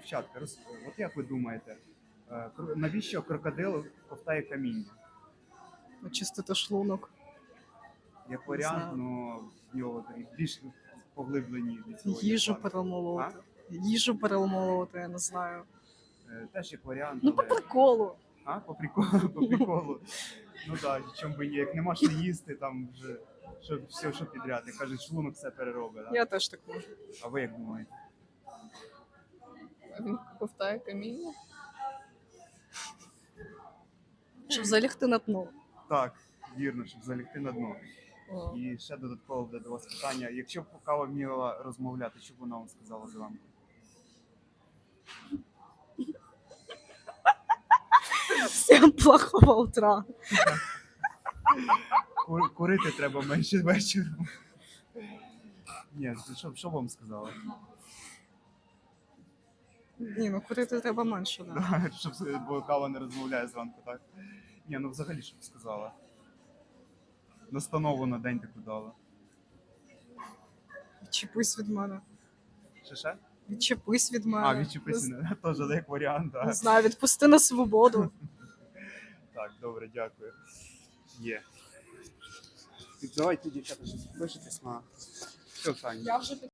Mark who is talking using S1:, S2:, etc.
S1: дівчатка, от як ви думаєте, навіщо крокодил ковтає каміння?
S2: Очистити шлунок.
S1: Як варіант,
S2: знаю.
S1: ну в нього такі більш поглиблені від цього.
S2: Їжу
S1: є плани.
S2: перемолоти. Їжу перемолоти, я не знаю.
S1: Теж як варіант,
S2: Ну, по
S1: але...
S2: приколу.
S1: А, по приколу, по приколу. Ну так, чому би ні, як нема що їсти, там вже що підряд. Як кажуть, шлунок все переробить. Да?
S2: Я теж так можу.
S1: А ви як думаєте?
S3: Він ковтає каміння.
S2: Щоб залягти на дно.
S1: Так, вірно, щоб залягти на дно.
S3: О.
S1: І ще додатково буде до вас питання. Якщо б кава вміла розмовляти, що б вона вам сказала зранку?
S2: Всім плохого утра.
S1: Курити треба менше вечором. Ні, що б вам сказала?
S2: Ні, ну курити треба менше, да.
S1: Да, бо кава не розмовляє зранку, так? Ні, ну взагалі що б сказала? Настанову на день таку дала.
S2: Відчепись від мене.
S1: Ще?
S2: Відчепись від мене.
S1: А, відчепися, теж як варіант,
S2: Не
S1: так.
S2: знаю, відпусти на свободу.
S1: Так, добре, дякую. Є. Давайте, дівчата, щось підпишетесь на... Все, Таня.
S3: Я вже